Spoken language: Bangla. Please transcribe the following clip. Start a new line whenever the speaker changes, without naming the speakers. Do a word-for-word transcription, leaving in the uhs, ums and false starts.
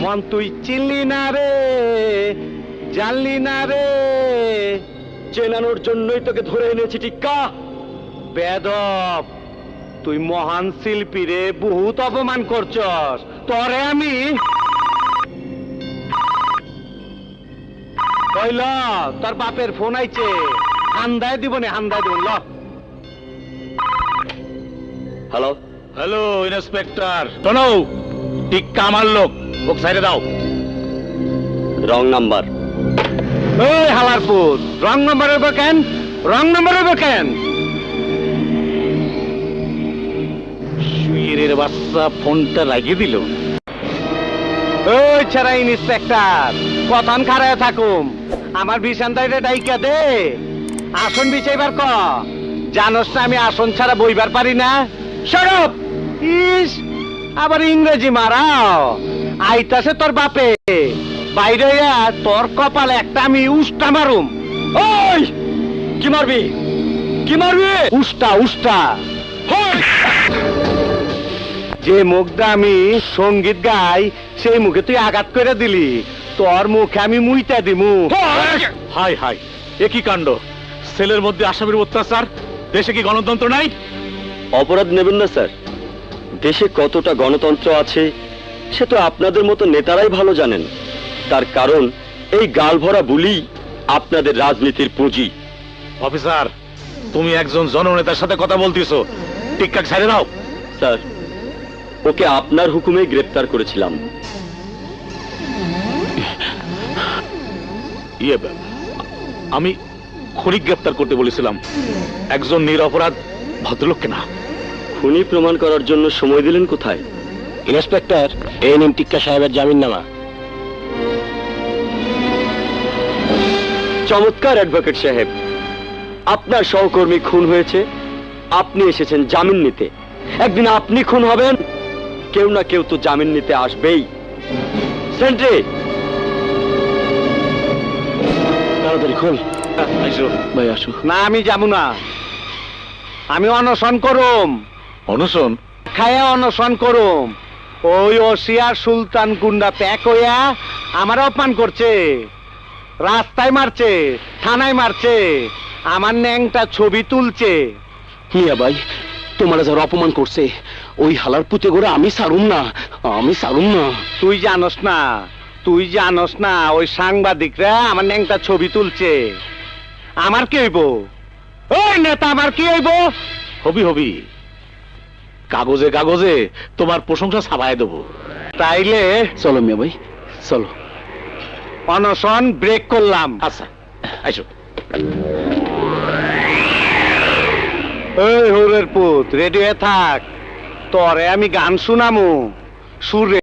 মন তুই চিনলি না রে, জানলি না রে,
চেনানোর জন্যই তোকে ধরে এনেছি টিক্কা।
বেদব, তুই মহান শিল্পী রে, বহুত অপমান করছস। তরে আমি কইল তোর বাপের ফোন আইছে, হান্দায় দিব নে, হান্দায় দিব। ল
হ্যালো
হ্যালো ইন্সপেক্টর, শোনো, টিক্কা আমার লোক, ওকে সাইডে দাও।
Wrong number.
এই হালারপুর, রং নাম্বার হইব কেন? রং নাম্বার হইব কেন?
শুয়ের বাচ্চা ফোনটা লাগিয়ে দিল।
ওই ছাড়া ইন্সপেক্টর, কথান খারায় থাকুম, আমার বিছানটাইটা ডাইকা দে, আসন বিছাইবার ক। জানোস না আমি আসন ছাড়া বইবার পারি না। সরব ইস, আবার ইংরেজি মারাও। আইতাছে তোর বাপে, বাইরে আইয়া তোর কপালে একটা আমি উষ্টা মারুম।
ওই কি মারবি? কি মারবি?
উষ্টা উষ্টা। যে মুখটা আমি সঙ্গীত গাই, সেই মুখে তুই আঘাত করে দিলি, তোর মুখে আমি মুইতা দিমু।
হাই হাই, এ কি কাণ্ড! সেলের মধ্যে আসামির অত্যাচার, দেশে কি গণতন্ত্র নাই?
অপরাধ নেবেন না স্যার, দেশে কতটা গণতন্ত্র আছে সে তো আপনাদের মতো নেতারাই ভালো জানেন। তার কারণ এই গাল ভরা বুলি আপনাদের রাজনীতির পুঁজি।
অফিসার, তুমি একজন জননেতার সাথে কথা বলতেছো, টিক্কা ছেড়ে দাও।
স্যার, ওকে আপনার হুকুমে গ্রেপ্তার করেছিলাম।
ইয়ে, আমি খুনি গ্রেপ্তার করতে বলেছিলাম, একজন নিরপরাধ ভদ্রলোককে না।
খুনি প্রমাণ করার জন্য সময় দিলেন কোথায়?
ইন্সপেক্টর, এই নিন টিক্কা সাহেবের জামিন নামা।
চমৎকার অ্যাডভোকেট সাহেব, আপনার সহকর্মী খুন হয়েছে, আপনি এসেছেন জামিন নিতে। একদিন আপনি খুন হবেন, কেউ না কেউ তো জামিন নিতে আসবেই। সেন্ট্রি,
তাড়াতাড়ি খোল।
আইসো
ভাই আসো।
না, আমি যাবো না, আমি অনশন করুম।
অনশন?
খায়া অনশন করুম। ওই ওসিয়ার সুলতান গুন্ডা প্যাক হইয়া আমার অপমান করছে, রাস্তায় মারছে, থানায় মারছে, আমার ন্যাংটা ছবি তুলছে।
মিয়া ভাই, তোমার যারা অপমান করছে, ওই হালার পুঁতে করে আমি সারুম না, আমি সারুম না।
তুই জানোস না, তুই জানোস না, ওই সাংবাদিকরা আমার ন্যাংটা ছবি তুলছে। আমার কি হইব? ওই নেতা আমার কি হইব?
হবি হবি, কাগজে কাগজে তোমার প্রশংসা ছাপায় দেবো।
তাইলে
চলো মিয়া ভাই, চলো।
অনশন ব্রেক করলাম।
আচ্ছা, আইসো।
এই হরের পুত, রেডি হয়ে থাক, তরে আমি গান শুনামু। সুরে